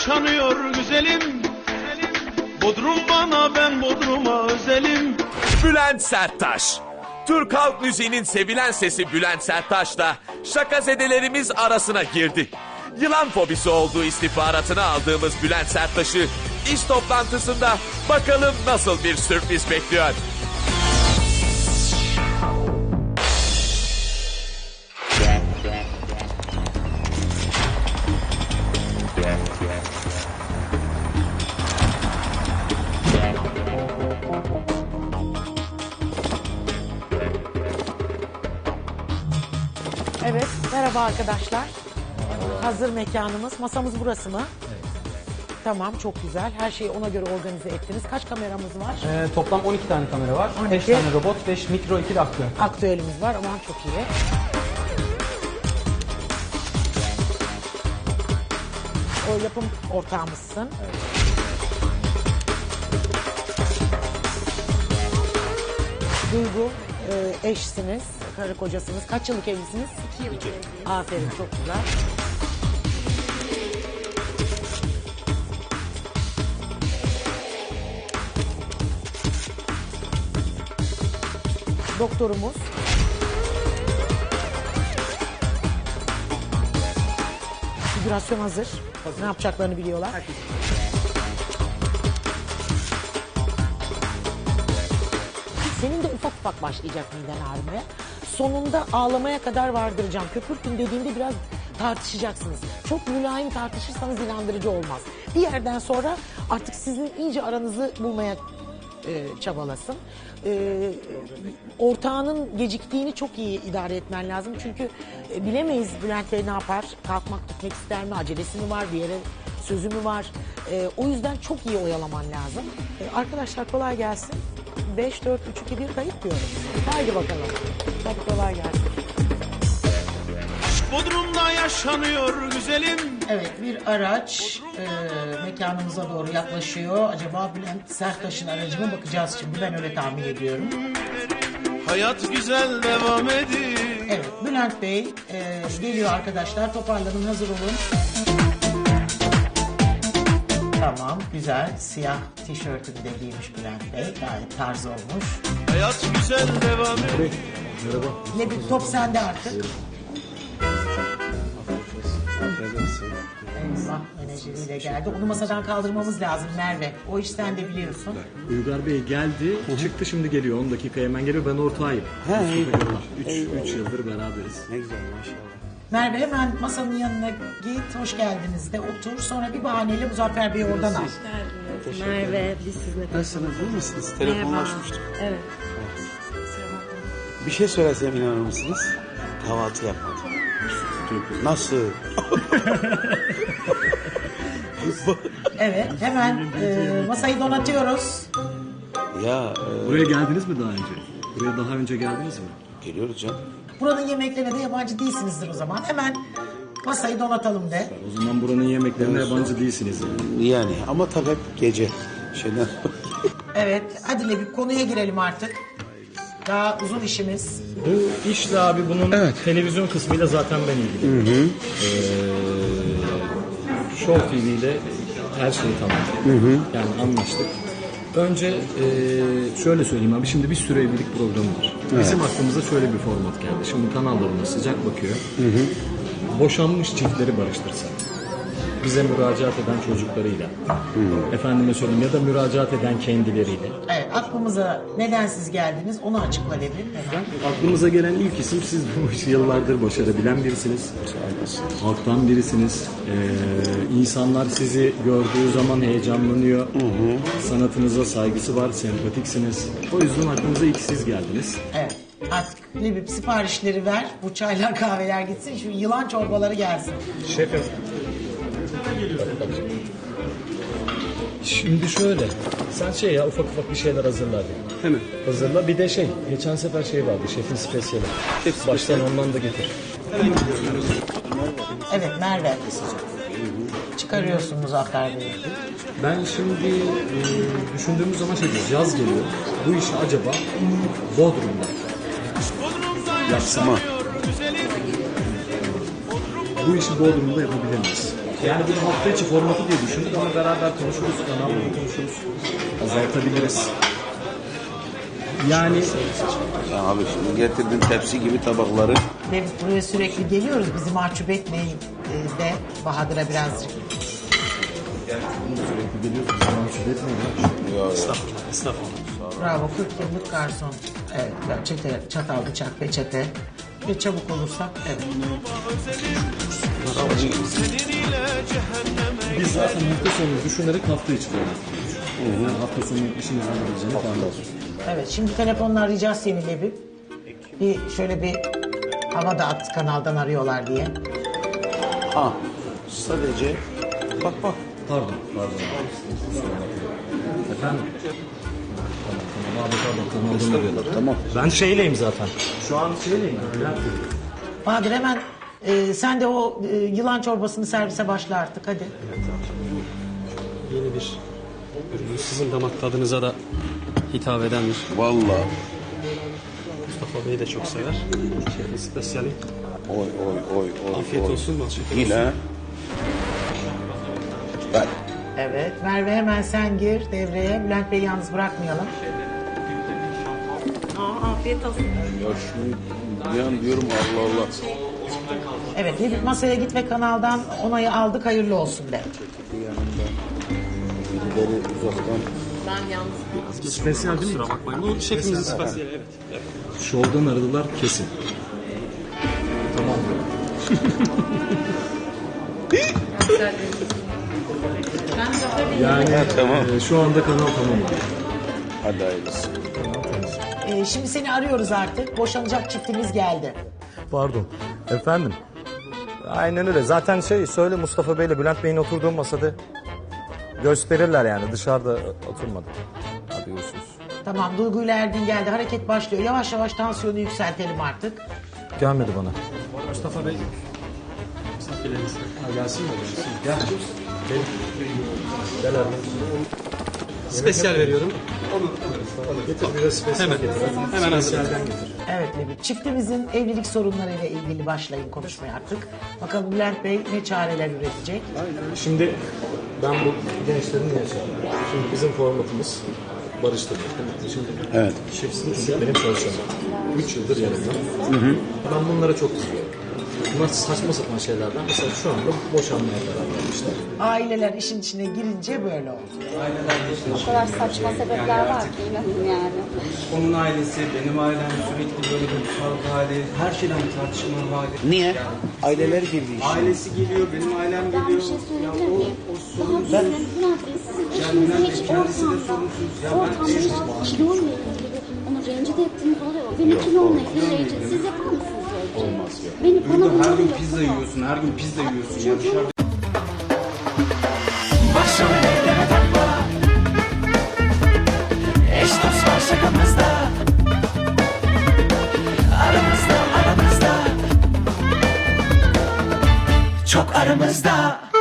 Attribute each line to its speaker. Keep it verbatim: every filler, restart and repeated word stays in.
Speaker 1: yaşanıyor güzelim. Bodrum bana, ben Bodrum'a özelim.
Speaker 2: Bülent Serttaş. Türk halk müziğinin sevilen sesi Bülent Serttaş'la şakazedelerimiz arasına girdi. Yılan fobisi olduğu istihbaratını aldığımız Bülent Serttaş'ı iş toplantısında bakalım nasıl bir sürpriz bekliyor.
Speaker 3: Evet, merhaba arkadaşlar. Hazır mekanımız. Masamız burası mı? Evet. Tamam, çok güzel. Her şeyi ona göre organize ettiniz. Kaç kameramız var?
Speaker 4: Ee, toplam on iki tane kamera var.
Speaker 3: on iki.
Speaker 4: beş tane robot, beş mikro, iki de aktüel.
Speaker 3: Aktüelimiz var. Aman çok iyi. O yapım ortağımızsın. Evet. Duygu, e, eşsiniz, karı kocasınız. Kaç yıllık evlisiniz? İki yıllık evliyim. Aferin, çok güzel. Doktorumuz. Figürasyon hazır. hazır. Ne yapacaklarını biliyorlar. Herkes. Senin de ufak ufak başlayacak miden ağrımaya. Sonunda ağlamaya kadar vardıracağım. Köpürtün dediğinde biraz tartışacaksınız. Çok mülayim tartışırsanız inandırıcı olmaz. Bir yerden sonra artık sizin iyice aranızı bulmaya e, çabalasın. E, ortağının geciktiğini çok iyi idare etmen lazım. Çünkü e, bilemeyiz Bülent Bey ne yapar? Kalkmak gitmek ister mi? Acelesi mi var? Bir yere sözü mü var? E, o yüzden çok iyi oyalaman lazım. E, arkadaşlar kolay gelsin. beş, dört, üç, iki, bir kayıt diyorum. Haydi bakalım. Hadi kolay gelsin.
Speaker 1: Bodrum'da yaşanıyor güzelim.
Speaker 3: Evet, bir araç e, mekanımıza doğru yaklaşıyor. Acaba Bülent Serttaş'ın aracı mı, bakacağız şimdi. Ben öyle tahmin ediyorum.
Speaker 1: Hayat güzel devam ediyor.
Speaker 3: Evet, Bülent Bey e, geliyor arkadaşlar. Toparlanın, hazır olun. Tamam, güzel. Siyah tişörtünü de giymiş Bülent Bey. Gayet tarz olmuş.
Speaker 1: Hayat güzel devam ediyor.
Speaker 4: Merhaba.
Speaker 3: Ne bir top sende artık. Eyvah, menajeriyle geldi. Onu masadan kaldırmamız lazım Merve. O iş sen de biliyorsun.
Speaker 5: Uygar Bey geldi, çıktı şimdi geliyor. on dakika hemen geliyor. Ben ortağıyım. üç yıldır beraberiz.
Speaker 6: Ne güzel maşallah.
Speaker 3: Merve hemen masanın yanına git, hoş geldiniz de otur. Sonra bir bahaneyle Muzaffer Bey'i oradan al.
Speaker 7: Merve, biz sizinle
Speaker 6: Nasılsınız, iyi misiniz? Telefonlaşmıştık.
Speaker 7: Evet.
Speaker 6: Bir şey söylesem inanır mısınız? Kahvaltı yapmadım. Nasıl?
Speaker 3: Evet, hemen e, masayı donatıyoruz.
Speaker 6: Ya e,
Speaker 5: Buraya geldiniz mi daha önce? Buraya daha önce geldiniz mi?
Speaker 6: geliyoruz canım.
Speaker 3: Buranın yemeklerine de yabancı değilsinizdir o zaman. Hemen masayı donatalım de.
Speaker 5: O zaman buranın yemeklerine yabancı değilsiniz. Yani.
Speaker 6: Yani ama tabii hep gece. Şeyden...
Speaker 3: Evet, hadi bir konuya girelim artık. Daha uzun işimiz.
Speaker 5: Bu işle abi bunun televizyon kısmıyla zaten ben ilgiliyim. Hı hı. Ee, Show T V ile her şeyi tamam. Hı hı. Yani anlaştık. Önce e, şöyle söyleyeyim abi, şimdi bir süre evlilik programı var. Evet. Bizim aklımıza şöyle bir format geldi. Şimdi kanallarına sıcak bakıyor. Hı hı. Boşanmış çiftleri barıştırsak. Bize müracaat eden çocuklarıyla. Hı. Efendime söyleyeyim, ya da müracaat eden kendileriyle.
Speaker 3: Evet, aklımıza neden siz geldiniz onu açıkla dedim. Hemen.
Speaker 5: Aklımıza gelen ilk isim, siz bu işi yıllardır başarabilen birisiniz. Halktan birisiniz. Ee, insanlar sizi gördüğü zaman heyecanlanıyor. Hı hı. Sanatınıza saygısı var, sempatiksiniz. O yüzden aklımıza ilk siz geldiniz.
Speaker 3: Evet. Artık Lebip siparişleri ver. Bu çaylar kahveler gitsin. Şu yılan çorbaları gelsin.
Speaker 5: Şefim. Şimdi şöyle. Sen şey ya, ufak ufak bir şeyler hazırla hadi.
Speaker 6: Hemen.
Speaker 5: Hazırla. Bir de şey, geçen sefer şey vardı, şefin spesiyeli.
Speaker 6: Şef
Speaker 5: Baştan ondan da getir.
Speaker 3: Evet Merve. Çıkarıyorsun Muzaffer Bey'i.
Speaker 5: Ben şimdi e, düşündüğümüz zaman şey diyoruz, yaz geliyor. Bu işi acaba Bodrum'da yapsam. Bu işi Bodrum'da yapabilir miyiz? Yani bunu hafta içi formatı diye düşündük ama beraber konuşuruz, kanalda konuşuruz. Azaltabiliriz. Yani
Speaker 6: Ya abi şimdi getirdin tepsi gibi tabakları.
Speaker 3: Ve biz buraya sürekli geliyoruz. Bizi mahcup etmeyin e, de Bahadır'a birazcık.
Speaker 5: sürekli geliyorsunuz, mahcup etmeyin.
Speaker 6: Estağfurullah, estağfurullah.
Speaker 3: Bravo, kırk yıllık garson. Evet, çete, çatal, bıçak, peçete. Ve çabuk olursak, evet.
Speaker 1: Seninle cehenneme
Speaker 5: Biz zaten hafta sonu düşünerek hafta içi format kuruyoruz. Yani hafta sonu işimizden alabileceğini tahmin.
Speaker 3: Evet, şimdi telefonla arayacağız seni Lebip. Bir şöyle bir hava da at kanaldan arıyorlar diye.
Speaker 6: Ha, sadece bak bak.
Speaker 5: Pardon, pardon. Efendim? Tamam, tamam abi pardon, kanaldan arıyorlar.
Speaker 6: Tamam.
Speaker 5: Ben şeyleyim zaten. Şu an şeyleyim. Bülent Bey.
Speaker 3: Bahadır hemen e, sen de o e, yılan çorbasını servise başla artık hadi.
Speaker 4: Yeni bir ürün. Sizin damak tadınıza da hitap edendir.
Speaker 6: Vallahi.
Speaker 4: Mustafa Bey de çok sever. Şey, spesiyali.
Speaker 6: Oy oy oy oy.
Speaker 4: Afiyet
Speaker 6: oy.
Speaker 4: olsun, bal şeker
Speaker 6: Yine.
Speaker 4: olsun.
Speaker 6: Ver.
Speaker 3: Evet, Merve hemen sen gir devreye. Bülent Bey'i yalnız bırakmayalım.
Speaker 7: Aa, afiyet olsun.
Speaker 6: Ya şunu bir an diyorum Allah Allah.
Speaker 3: Evet, Lebip masaya git ve kanaldan onayı aldık, hayırlı olsun de.
Speaker 6: Birileri uzaktan.
Speaker 7: Ben yalnız.
Speaker 5: Spesiyel değil mi?
Speaker 4: Kusura bakmayın. Bu şefimizin spesiyali, evet. evet.
Speaker 5: Şovdan aradılar kesin. Tamam. Yani
Speaker 6: Tamam.
Speaker 5: e, şu anda kanal tamam.
Speaker 6: Hadi hayırlısı.
Speaker 3: Ee, şimdi seni arıyoruz artık. Boşanacak çiftimiz geldi.
Speaker 8: Pardon. Efendim? Aynen öyle. Zaten şey söyle Mustafa Bey'le Bülent Bey'in oturduğu masada gösterirler yani. Dışarıda oturmadı. Hadi görüşürüz.
Speaker 3: Tamam, Duygu ile Erdin geldi. Hareket başlıyor. Yavaş yavaş tansiyonu yükseltelim artık.
Speaker 8: Gelmedi bana.
Speaker 4: Mustafa Bey. Misafirleriniz.
Speaker 5: Ha, gelsin mi? Gel.
Speaker 8: Gel abi.
Speaker 4: Spesiyal veriyorum.
Speaker 5: Getir biraz spesiyel
Speaker 4: Hemen.
Speaker 5: getir.
Speaker 4: Hemen hazır.
Speaker 5: Spesiyelden getir.
Speaker 3: Evet Lebip, çiftimizin evlilik sorunlarıyla ilgili başlayın konuşmaya artık. Bakalım Bülent Bey ne çareler üretecek?
Speaker 5: Şimdi ben bu gençlerin niye çağırıyorum? Şimdi bizim formatımız barıştırmak. Şimdi
Speaker 6: Evet.
Speaker 5: şefsiniz benim çalışanım. Üç yıldır yanımda. Ben bunlara çok kızıyorum. Bunlar saçma sapan şeylerden. Mesela şu anda boşanmaya karar vermişler.
Speaker 3: Aileler işin içine girince böyle oldu.
Speaker 9: O kadar saçma sebepler var ki inanın yani.
Speaker 10: Onun ailesi, benim ailem sürekli böyle duygusal hali, her şeyden bir tartışma hali.
Speaker 6: Niye? Aileler girdi işte.
Speaker 10: Ailesi geliyor, benim ailem
Speaker 9: Ben
Speaker 10: geliyor.
Speaker 9: bir şey
Speaker 10: Ya
Speaker 9: söyleyebilir
Speaker 10: o,
Speaker 9: miyim?
Speaker 10: o
Speaker 9: Daha
Speaker 10: sorumsuz.
Speaker 9: Bülent Bey siz
Speaker 10: Yani Bülent Bey
Speaker 9: hiç
Speaker 10: kendisi de
Speaker 9: ortamda,
Speaker 10: sorumsuz. Ya ben
Speaker 9: ortamda kiloyla ilgili onu rencide ettiğiniz oluyor. Beni kilomla ilgili rencide. Siz yapar mısınız öyle bir şey?
Speaker 6: Olmaz ya.
Speaker 9: Beni bana
Speaker 10: burada her
Speaker 9: bunları
Speaker 10: gün
Speaker 9: yapın.
Speaker 10: pizza yiyorsun, her gün pizza yiyorsun. Ya dışarıda
Speaker 11: Başrol eyleme takma. Eş dost var şakamızda. Aramızda aramızda. Çok aramızda.